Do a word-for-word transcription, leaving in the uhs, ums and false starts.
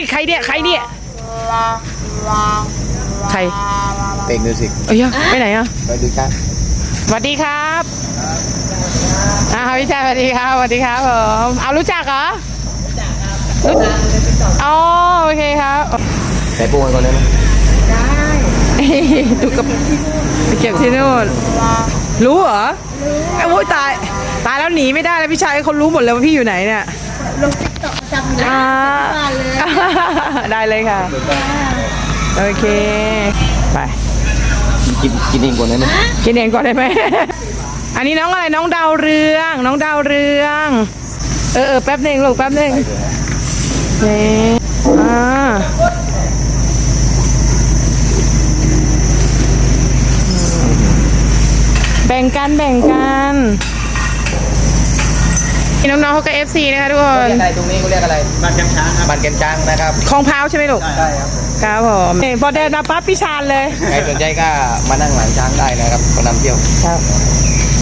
ยใครเนี่ยใครเนี่ยใครเพลงมิวสิกเอ้ยไปไหนอ่ะไปดูกันสวัสดีครับอ่าพี่ชายสวัสดีครับสวัสดีครับผมเอารู้จักเหรอรู้จักครับอ๋อโอเคครับใส่ปูกันก่อนได้ไหมได้ดูกับไปเก็บที่นู่นรู้เหรอรู้โอ้ยตายตายแล้วหนีไม่ได้แล้วพี่ชายเขารู้หมดเลยว่าพี่อยู่ไหนเนี่ยลงติ๊กต็อกจำได้เลยได้เลยค่ะโอเคไปกินกินเองก่อนได้ไหมกินเองก่อนได้ไหมอันนี้น้องอะไรน้องดาวเรืองน้องดาวเรืองเออเออแป๊บหนึ่งลูกแป๊บหนึ่งนี่อ่าแบ่งกันแบ่งกันน้องๆเขาก็ เอฟ ซี นะคะทุกคนเรียกอะไรตรงนี้เขาเรียกอะไรบ้านแกมช้างครับบ้านแกมช้างนะครับคลองพร้าวใช่ไหมลูกใช่ครับครับผมพอเดินมาปั๊บพี่ชาญเลยใครสนใจก็มานั่งหลังช้างได้นะครับคนนำเที่ยวครับ